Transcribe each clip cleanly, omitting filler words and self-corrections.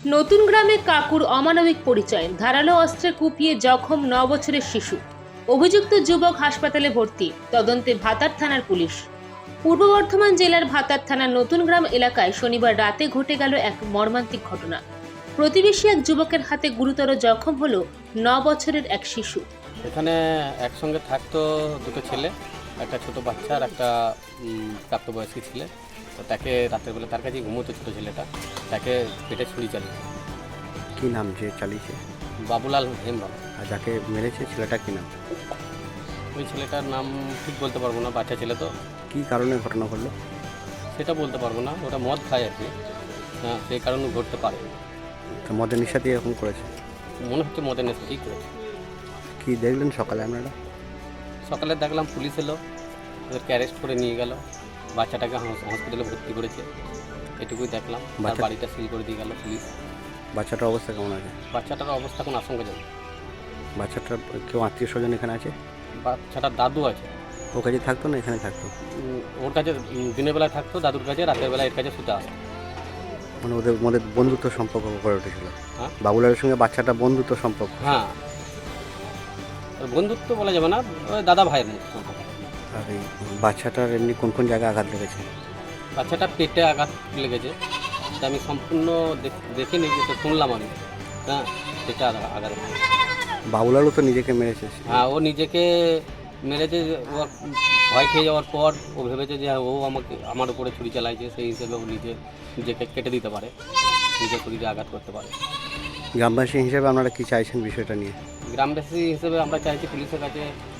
নতুন গ্রামে কাকুর অমানবিক পরিচয়, ধারালো অস্ত্রে কুপিয়ে জখম 9 বছরের শিশু। অভিযুক্ত যুবক হাসপাতালে ভর্তি, তদন্তে ভাতার থানার পুলিশ। পূর্ব বর্ধমান জেলার ভাতার থানার নতুন গ্রাম এলাকায় শনিবার রাতে ঘটে গেল এক মর্মান্তিক ঘটনা। প্রতিবেশী এক যুবকের হাতে গুরুতর জখম হলো 9 বছরের এক শিশু। এখানে একসঙ্গে থাকতো দুটো ছেলে, একটা ছোট বাচ্চা আর একটা প্রাপ্তবয়স্ক ছেলে। তো তাকে রাতের বেলা তার কাছে ঘুমোতো ছোটো ছেলেটা, তাকে পেটে ছুরি চালিয়ে। কি নাম যে চালিয়েছে? বাবুলাল হেমব্রম। আর যাকে মেরেছে ছেলেটা কি নাম? ওই ছেলেটার নাম ঠিক বলতে পারবো না, বাচ্চা ছেলে তো। কি কারণে ঘটনা ঘটলো সেটা বলতে পারবো না, ওটা মদ খায় আর কি। হ্যাঁ, সেই কারণে ঘটতে পারে। তা মদের নেশা দিয়ে এরকম করেছে? মনে হচ্ছে মদের নেশা ঠিক করেছে। কি দেখলেন সকালে আপনারা? সকালে দেখলাম পুলিশ এলো, ওদেরকে অ্যারেস্ট করে নিয়ে গেল, বাচ্চাটাকে হসপিটালে ভর্তি করেছে, এটুকুই দেখলাম। তার বাড়িটা সিল করে দিয়ে গেল পুলিশ। বাচ্চাটার অবস্থা কেমন আছে? বাচ্চাটার অবস্থা কোনো আশঙ্কাজনক। বাচ্চাটার কেউ আত্মীয় স্বজন এখানে আছে? বাচ্চাটার দাদু আছে। ওর কাছে থাকতো না এখানে থাকতো? ওর কাছে দিনের বেলায় থাকতো দাদুর কাছে, রাতের বেলায় এর কাছে শুতে আসতো। মানে ওদের মধ্যে বন্ধুত্ব সম্পর্ক গড়ে উঠেছিল? হ্যাঁ, বাবুলালের সঙ্গে বাচ্চাটা বন্ধুত্ব সম্পর্ক? হ্যাঁ, বন্ধুত্ব বলা যাবে না, ওই দাদা ভাইয়ের মতো সম্পর্ক। আর এই বাচ্চাটার এমনি কোন কোন জায়গায় আঘাত লেগেছে? বাচ্চাটার পেটে আঘাত লেগেছে, সেটা আমি সম্পূর্ণ দেখিনি, যেটা শুনলাম আমি। হ্যাঁ, পেটে আঘাত। বাবুলালও তো নিজেকে মেরেছে? হ্যাঁ, ও নিজেকে মেরেছে। ও ভয় খেয়ে যাওয়ার পর ও ভেবেছে যে ও আমার উপরে ছুরি চালাইছে, সেই হিসেবে ও নিজেকে কেটে দিতে পারে, নিজের শরীরে আঘাত করতে পারে। গ্রামবাসী হিসেবে আপনারা কি চাইছেন বিষয়টা নিয়ে? গ্রামবাসী হিসেবে আমরা চাইছি পুলিশের কাছে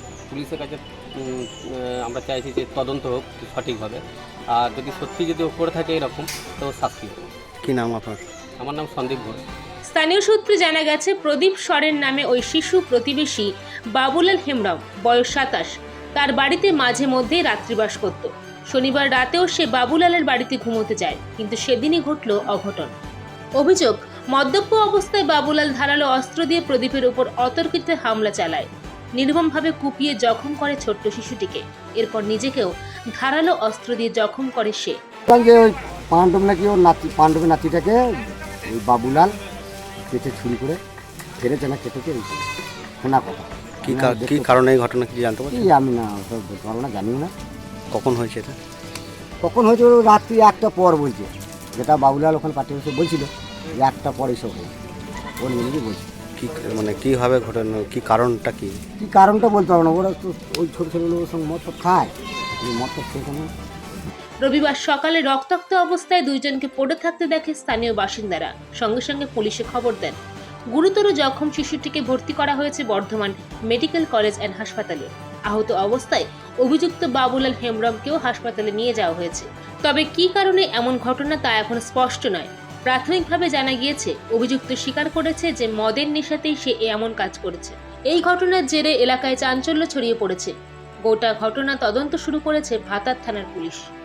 আমরা চাইছি যে তদন্ত হোক সঠিকভাবে, আর যদি সত্যি যদি ও করে থাকে এরকম, তো শাস্তি হোক। কি নাম আপনার? আমার নাম সন্দীপ ঘোষ। স্থানীয় সূত্রে জানা গেছে, প্রদীপ সরেন নামে ওই শিশু প্রতিবেশী বাবুলাল হেমব্রম, বয়স 27, তার বাড়িতে মাঝে মধ্যেই রাত্রিবাস করত। শনিবার রাতেও সে বাবুলালের বাড়িতে ঘুমোতে যায়, কিন্তু সেদিনই ঘটল অঘটন। অভিযোগ, মদ্যপ অবস্থায় বাবুলাল ধারালো অস্ত্র দিয়ে প্রদীপের উপর অতর্কিত হামলা চালায়, নির্মমভাবে কুপিয়ে জখম করে ছোট্ট শিশুটিকে। এরপর নিজেকেও ধারালো অস্ত্র দিয়ে জখম করে সে। যে ওই পাণ্ডব নাকি ওর পাণ্ডবের নাতিটাকে ওই বাবুলাল কেটে ছুরি করে ফেরেছে না কেটেছে, শোনা কথা। কি কারণে এই ঘটনা কি জানতে পারছি? আমি না বলতে পারবো না, জানিও না কখন হয়েছে এটা? কখন হয়েছে, ওই রাত্রি 1টা পর বলছে, যেটা বাবুলাল ওখানে পাঠিয়ে বসে বলছিল যে 1টা পর এইসব হয়েছে, ওর নিজেই বলছে। কি মানে কীভাবে ঘটনা, কি কারণটা কি? কী কারণটা বলতে পারবো না, ওরা তো ওই ছোটো ছেলেগুলোর সঙ্গে মদ তো খায়, মদ তো খেয়ে কোনো। রবিবার সকালে রক্তাক্ত অবস্থায় দুইজনকে পড়ে থাকতে দেখে স্থানীয় বাসিন্দারা, সঙ্গে সঙ্গে পুলিশে খবর দেন। গুরুতর জখম শিশুটিকে ভর্তি করা হয়েছে বর্ধমান মেডিকেল কলেজ অ্যান্ড হাসপাতালে। আহত অবস্থায় অভিযুক্ত বাবুলাল হেমব্রমকেও হাসপাতালে নিয়ে যাওয়া হয়েছে। তবে কী কারণে এমন ঘটনা তা এখন স্পষ্ট নয়। প্রাথমিকভাবে জানা গিয়েছে, অভিযুক্ত স্বীকার করেছে যে মদের নেশাতেই সে এমন কাজ করেছে। এই ঘটনার জেরে এলাকায় চাঞ্চল্য ছড়িয়ে পড়েছে। গোটা ঘটনা তদন্ত শুরু করেছে ভাতার থানার পুলিশ।